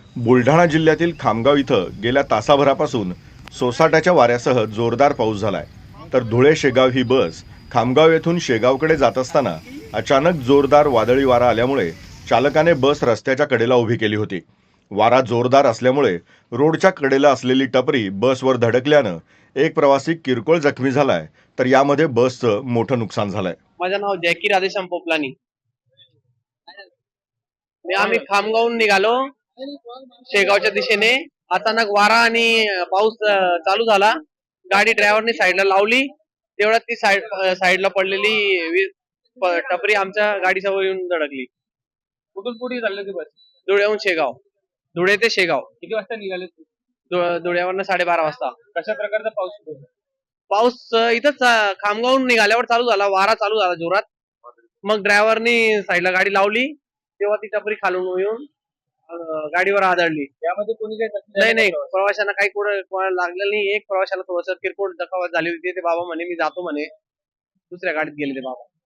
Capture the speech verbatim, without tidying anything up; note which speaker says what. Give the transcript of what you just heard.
Speaker 1: बुलढाणा जिल्ह्यातील खामगाव इथं गेल्या तासाभरापासून सोसाट्याच्या वाऱ्यासह जोरदार पाऊस झालाय. तर धुळे शेगाव ही बस खामगाव येथून शेगावकडे जात असताना अचानक जोरदार वादळी वारा आल्यामुळे चालकाने बस रस्त्याच्या कडेला उभी केली होती. वारा जोरदार असल्यामुळे रोडच्या कडेला असलेली टपरी बसवर धडकल्यानं एक प्रवासी किरकोळ जखमी झालाय, तर यामध्ये बसचं मोठं नुकसान झालंय.
Speaker 2: माझं नाव जॅकी राधेश्याम पोपलानी. मी आम्ही खामगावून निघालो शेगावच्या दिशेने. अचानक वारा आणि पाऊस चालू झाला. गाडी ड्रायव्हरने साईडला लावली, तेवढ्यात ती साईड साईडला पडलेली टपरी आमच्या गाडीसमोर येऊन धडकली.
Speaker 3: कुठून कुठे चालले ते बस?
Speaker 2: धुळ्याहून शेगाव. धुळे ते शेगाव.
Speaker 3: किती वाजता निघाले?
Speaker 2: धुळ्यावरनं साडेबारा वाजता.
Speaker 3: कशा प्रकारचा पाऊस सुरू होता?
Speaker 2: पाऊस इथंच खामगावून निघाल्यावर चालू झाला. वारा चालू झाला जोरात. मग ड्रायव्हरनी साईडला गाडी लावली, तेव्हा ती टपरी खालून येऊन गाडीवर आदळली.
Speaker 3: यामध्ये कोणी काही
Speaker 2: नाही नाही प्रवाशांना काही कोणाला लागलेलं नाही. एक प्रवाशाला थोडंसं किरकोळ दखावत झाली होती. ते बाबा म्हणे मी जातो म्हणे, दुसऱ्या गाडीत गेले ते बाबा.